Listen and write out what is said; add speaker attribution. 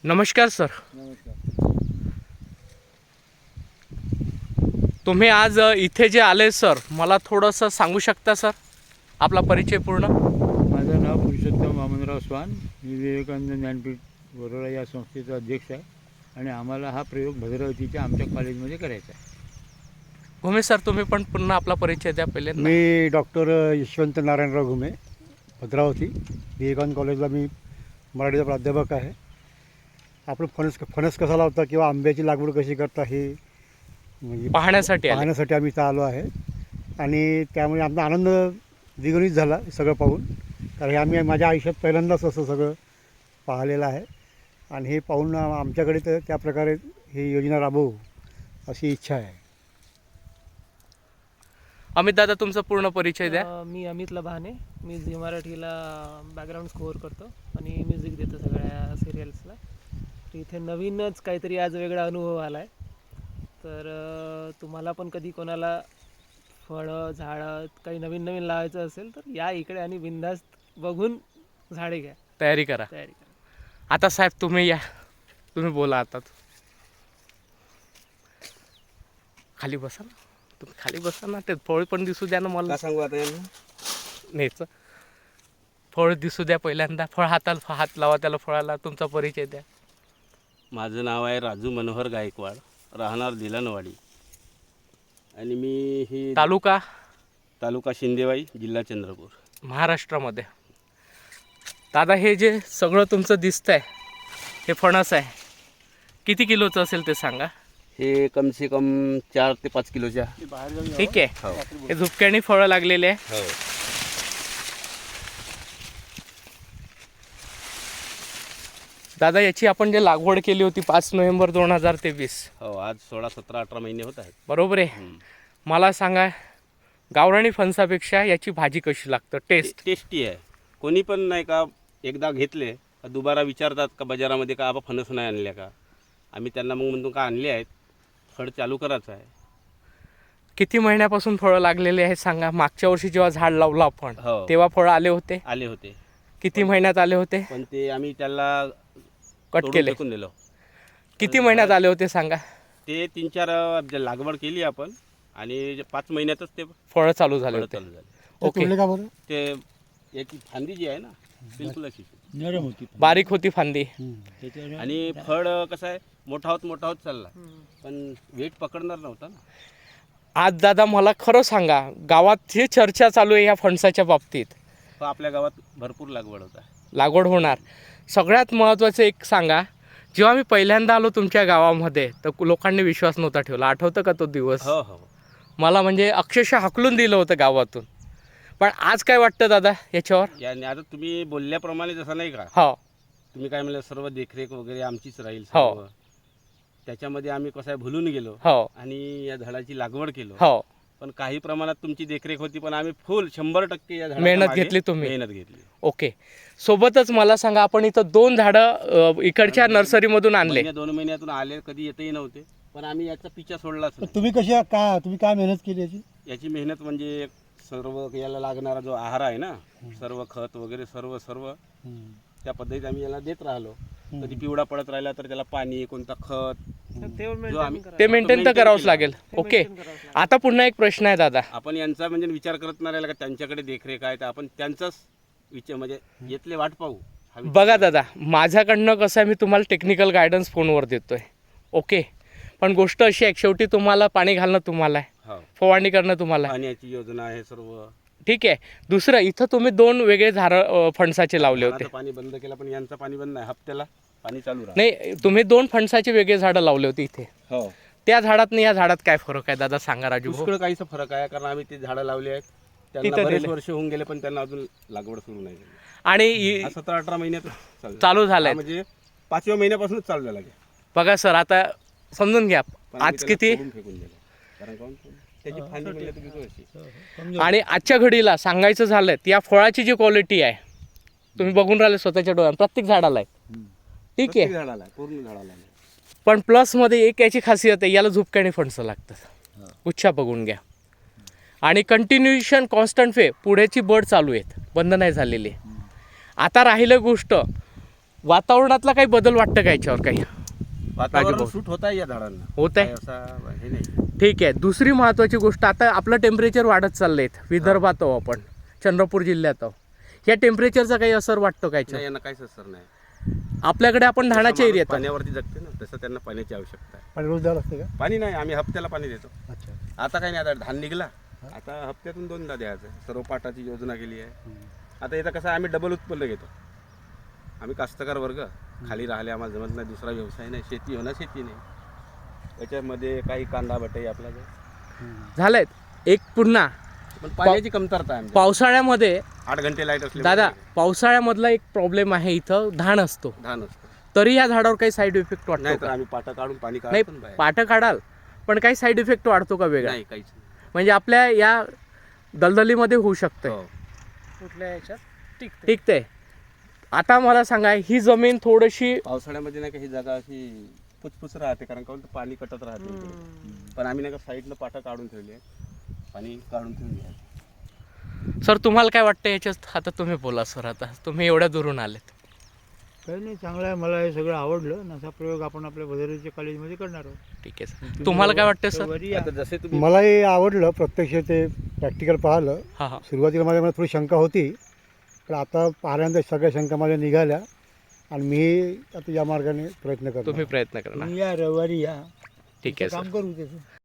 Speaker 1: नमस्कार सर.
Speaker 2: नमस्कार.
Speaker 1: तुम्ही आज इथे जे आले सर, मला थोडंसं सांगू शकता सर आपला परिचय पूर्ण?
Speaker 2: माझं नाव पुरुषोत्तम वामनराव स्वान. मी विवेकानंद ज्ञानपीठ वरोरा या संस्थेचा अध्यक्ष आहे आणि आम्हाला हा प्रयोग भद्रावतीच्या आमच्या कॉलेजमध्ये करायचा आहे.
Speaker 1: घुमे सर, तुम्ही पण पुन्हा आपला परिचय द्या पहिले.
Speaker 3: मी डॉक्टर यशवंत नारायणराव घुमे, भद्रावती विवेकानंद कॉलेजला मी मराठीचा प्राध्यापक आहे. आपण फणस कसा लावता किंवा आंब्याची लागवड कशी करता हे म्हणजे
Speaker 1: पाहण्यासाठी
Speaker 3: आम्ही इथं आलो आहे आणि त्यामुळे आमचा आनंद द्विगुणित झाला सगळं पाहून. कारण हे आम्ही माझ्या आयुष्यात पहिल्यांदाच असं सगळं पाहिलेलं आहे आणि हे पाहून आमच्याकडे तर त्या प्रकारे ही योजना राबवू अशी इच्छा आहे.
Speaker 1: अमित दादा, तुमचा पूर्ण परिचय द्या.
Speaker 4: मी अमित लभाने. मी झी मराठीला बॅकग्राऊंड स्कोअर करतो आणि म्युझिक देतो सगळ्या सिरियल्सला. तर इथे नवीनच काहीतरी आज वेगळा अनुभव आला आहे. तर तुम्हाला पण कधी कोणाला फळं झाडं काही नवीन नवीन लावायचं असेल तर या इकडे आणि बिनधास्त बघून झाडे घ्या,
Speaker 1: तयारी करा.
Speaker 4: तयारी करा.
Speaker 1: आता साहेब तुम्ही या, तुम्ही बोला. आता खाली बसा ना, तुम्ही खाली बसा ना. ते फळ पण दिसू द्या ना मला.
Speaker 5: सांगू आता यांना
Speaker 1: न्यायचं फळ दिसू द्या पहिल्यांदा. फळ हाताला हात लावा त्याला, फळाला. तुमचा परिचय द्या.
Speaker 5: माझं नाव आहे राजू मनोहर गायकवाड, राहणार दिलानवाडी आणि मी ही तालुका शिंदेवाई, जिल्हा चंद्रपूर,
Speaker 1: महाराष्ट्रामध्ये. दादा, हे जे सगळं तुमचं दिसतंय हे फणस आहे, किती किलोचं असेल ते सांगा?
Speaker 5: हे कम से कम 4 ते 5 किलोच्या.
Speaker 1: ठीक आहे.
Speaker 5: हो
Speaker 1: हे झुपक्याने फळं लागलेले आहे.
Speaker 5: हो.
Speaker 1: दादा, याची आपण जे लागवड केली होती 5 नोव्हेंबर 2023,
Speaker 5: हो, आज 16, 17, 18 महिने होत आहेत.
Speaker 1: बरोबर आहे. मला सांगा, गावरानी फणसापेक्षा याची भाजी कशी लागतं?
Speaker 5: टेस्टी आहे. कोणी पण नाही का एकदा घेतले का दुबारा विचारतात का बाजारामध्ये का आपण फणस नाही आणल्या का. आम्ही त्यांना मग म्हणतो का आणले आहेत, फळ चालू करायचं आहे.
Speaker 1: किती महिन्यापासून फळं लागलेले आहेत सांगा? मागच्या वर्षी जेव्हा झाड लावलं आपण
Speaker 5: हो.
Speaker 1: तेव्हा फळं आले होते?
Speaker 5: आले होते.
Speaker 1: किती महिन्यात आले होते?
Speaker 5: पण ते आम्ही त्याला
Speaker 1: कट
Speaker 5: तोडून
Speaker 1: केले.
Speaker 5: फेकून दिलो.
Speaker 1: किती महिन्यात आले होते सांगा?
Speaker 5: ते 3-4 लागवड केली आपण आणि 5 महिन्यातच ते
Speaker 1: फळं चालू झाले
Speaker 5: फळं
Speaker 1: होते.
Speaker 5: चालू झाले.
Speaker 1: ओके.
Speaker 3: तोडले का बरं?
Speaker 5: ते याची फांदी जी आहे ना, बिलकुल अशी
Speaker 2: नरम होती
Speaker 1: बारीक होती फांदी.
Speaker 2: त्याच्यावर
Speaker 5: आणि फळ कसं आहे, मोठा होत चालला, पण वेट पकडणार नव्हता ना.
Speaker 1: आज दादा मला खरं सांगा, गावात ही चर्चा चालू आहे या फणसाच्या बाबतीत.
Speaker 5: तो आपल्या गावात भरपूर लागवड होता.
Speaker 1: लागवड होणार. सगळ्यात महत्त्वाचं एक सांगा, जेव्हा मी पहिल्यांदा आलो तुमच्या गावामध्ये तर लोकांनी विश्वास नव्हता ठेवला. आठवतं का तो दिवस?
Speaker 5: हो हो.
Speaker 1: मला म्हणजे अक्षरशः हाकलून दिलं होतं गावातून. पण आज काय वाटतं दादा याच्यावर?
Speaker 5: याने आता तुम्ही बोलल्याप्रमाणे जसं नाही का,
Speaker 1: हो
Speaker 5: तुम्ही काय म्हणलं सर्व देखरेख वगैरे आमचीच राहील
Speaker 1: हो.
Speaker 5: सर्व. त्याच्यामध्ये आम्ही कसं आहे भुलून गेलो
Speaker 1: हो
Speaker 5: आणि या झाडाची लागवड केलो.
Speaker 1: हो.
Speaker 5: पण काही प्रमाणात तुमची देखरेख होती, पण आम्ही फुल 100% या झाडाच्या
Speaker 1: मेहनत
Speaker 5: मागे
Speaker 1: घेतली तुम्ही.
Speaker 5: मेहनत घेतली.
Speaker 1: ओके. सोबतच मला सांगा, आपण इथं 2 झाडं इकडच्या नर्सरीमधून आणले.
Speaker 5: 2 महिन्यातून आले, कधी येतही नव्हते, पण आम्ही याचा पिछा सोडलाच नाही.
Speaker 3: तुम्ही काय मेहनत केली याची?
Speaker 5: याची मेहनत म्हणजे सर्व याला लागणारा जो आहार आहे ना, सर्व खत वगैरे सर्व त्या पद्धतीत आम्ही याला देत राहिलो. कधी पिवळा पडत राहिला तर त्याला पाणी, कोणता खत, जो आम्ही
Speaker 1: ते मेंटेन तर करावंच लागेल. ओके.
Speaker 4: करावंच लागेल.
Speaker 1: आता पुन्हा एक प्रश्न आहे दादा.
Speaker 5: आपण यांचा म्हणजे विचार करत नाही राहिला का त्यांच्याकडे देखरेख आहे, तर आपण त्यांचाच विचार म्हणजे येतले वाट पाहू हा विचार.
Speaker 1: बघा दादा, माझ्याकडनं कसं आहे, मी तुम्हाला टेक्निकल गायडन्स फोनवर देतोय. ओके. पण गोष्ट अशी आहे, शेवटी तुम्हाला पाणी घालणं तुम्हाला आहे,
Speaker 5: हो.
Speaker 1: फवारणी करणं तुम्हाला आहे.
Speaker 5: पाण्याची योजना आहे सर्व.
Speaker 1: ठीक आहे. दुसरं, इथं तुम्ही 2 वेगळे झाडं फणसाचे लावले होते.
Speaker 5: आता पाणी बंद केलं, पण यांचं पाणी बंद नाही, हप्त्याला पाणी चालू राहतं.
Speaker 1: नाही, तुम्ही 2 फणसाचे वेगळे झाडं लावले होते इथे.
Speaker 5: हो.
Speaker 1: त्या झाडात आणि या झाडात काय फरक आहे दादा सांगा राजू भाऊ?
Speaker 5: पुष्कळ काहीसा फरक आहे, कारण आम्ही ते झाडं लावली आहेत, त्यांना
Speaker 1: तिथं
Speaker 5: बरेच
Speaker 1: दिले.
Speaker 5: वर्ष होऊन गेले, पण त्यांना अजून लागवड सुरू नाही झाली.
Speaker 1: आणि
Speaker 5: 17-18 महिन्यात
Speaker 1: चालू झालंय.
Speaker 5: म्हणजे 5व्या महिन्यापासूनच चालू झाला.
Speaker 1: बघा सर, आता समजून घ्या,
Speaker 5: पण आम्ही
Speaker 1: आज
Speaker 5: त्याला
Speaker 1: किती
Speaker 5: तोडून फेकून दिलं. कारण काहून? त्याची फांदी म्हणजे तुम्ही तो अशी.
Speaker 1: आणि आजच्या घडीला सांगायचं झालं, या फळाची जी क्वालिटी आहे तुम्ही बघून राहिले स्वतःच्या डोळ्यात, प्रत्येक झाडाला आहे. ठीक
Speaker 5: प्रत्येक
Speaker 1: आहे.
Speaker 5: झाडाला आहे, पूर्ण झाडाला आहे.
Speaker 1: पण प्लसमध्ये एक याची खासियत आहे, याला झुपक्याने फणसं लागतात. उच्छा बघून घ्या. आणि कंटिन्युएशन कॉन्स्टंट वे पुढेची बड चालू आहेत, बंद नाही झालेली. आता राहिलं गोष्ट वातावरणातला काही बदल वाटतं का याच्यावर काही?
Speaker 5: वातावरण
Speaker 1: भाऊ.
Speaker 5: सूट होत आहे या झाडांना,
Speaker 1: होत आहे.
Speaker 5: काय असा हे नाही.
Speaker 1: ठीक आहे. दुसरी महत्त्वाची गोष्ट, आता आपलं टेम्परेचर वाढत चाललंय. विदर्भात आहो आपण, चंद्रपूर जिल्ह्यात आहो. या टेम्परेचरचा काही असर वाटतो का याच्यावर?
Speaker 5: नाही, यांना काहीच असर नाही.
Speaker 1: आपल्याकडे आपण धानाच्या
Speaker 5: जसं माणूस
Speaker 1: एरियात आहोत.
Speaker 5: पाण्यावरती जगते ना, तसं त्यांना पाण्याची आवश्यकता आहे.
Speaker 3: आणि रोज द्यावं लागते का?
Speaker 5: पाणी नाही, आम्ही हप्त्याला पाणी देतो.
Speaker 3: अच्छा.
Speaker 5: आता काही नाही, आता धान निघला, आता हप्त्यातून 2दा द्यायचं. सर्व पाटाची योजना केली आहे. आता इथं कसं आहे, आम्ही डबल उत्पन्न घेतो. आम्ही कास्तकार वर्ग, खाली राहिले, आम्हाला जमत नाही, दुसरा व्यवसाय नाही, शेती होणार शेती नाही. याच्यामध्ये काही कांदा बटाई आपला
Speaker 1: झालंय. एक पुन्हा
Speaker 5: पण पाण्याची कमतरता आहे आमच्या.
Speaker 1: पावसाळ्यामध्ये
Speaker 5: 8 घंटे लाईट असले
Speaker 1: दादा, पावसाळ्यामधला एक प्रॉब्लेम आहे, इथं धान असतो.
Speaker 5: धान असतं.
Speaker 1: तरी या झाडावर काही साईड इफेक्ट वाटतो
Speaker 5: नाही तर
Speaker 1: का?
Speaker 5: आम्ही पाटा काढून पाणी
Speaker 1: नाही,
Speaker 5: काढतो ना बाहेर.
Speaker 1: पाटं काढाल, पण काही साईड इफेक्ट वाढतो का वेगळा?
Speaker 5: नाही, काहीच नाही.
Speaker 1: म्हणजे आपल्या या दलदलीमध्ये होऊ शकतं.
Speaker 5: हो.
Speaker 4: कुठल्या ह्याच्यात टिकते.
Speaker 1: ठीक आहे. आता मला सांगा, ही जमीन थोडीशी
Speaker 5: पावसाळ्यामध्ये नाही का ही जागा अशी पुचपुच राहते, कारण का पाणी कटत राहते इकडे. पण आम्ही नाही का साईडनं पाटा काढून ठेवली आहे, पाणी काढून ठेवली आहे.
Speaker 1: सर, तुम्हाला काय वाटतं याच्यात? आता तुम्ही बोला सर, आता तुम्ही एवढ्या दुरून आलेत.
Speaker 2: काही नाही, चांगलं आहे. मला हे सगळं आवडलं आणि असा प्रयोग आपण आपल्या भद्रावतीच्या कॉलेजमध्ये करणार आहोत.
Speaker 1: ठीक आहे सर. तुम्हाला काय वाटतं सर?
Speaker 2: वरी या.
Speaker 5: आता जसे तुम्ही
Speaker 3: मलाही आवडलं प्रत्यक्ष ते प्रॅक्टिकल पाहिलं.
Speaker 1: हां हां.
Speaker 3: सुरुवातीला मला थोडी शंका होती, पण आता पाहिल्यानंतर सगळ्या शंका माझ्या निघाल्या आणि मी आता या मार्गाने प्रयत्न करतो.
Speaker 1: तुम्ही प्रयत्न करणार.
Speaker 2: तुम्ही या रविवारी या,
Speaker 1: ठीक आहे सर.
Speaker 2: काम करू त्याचं.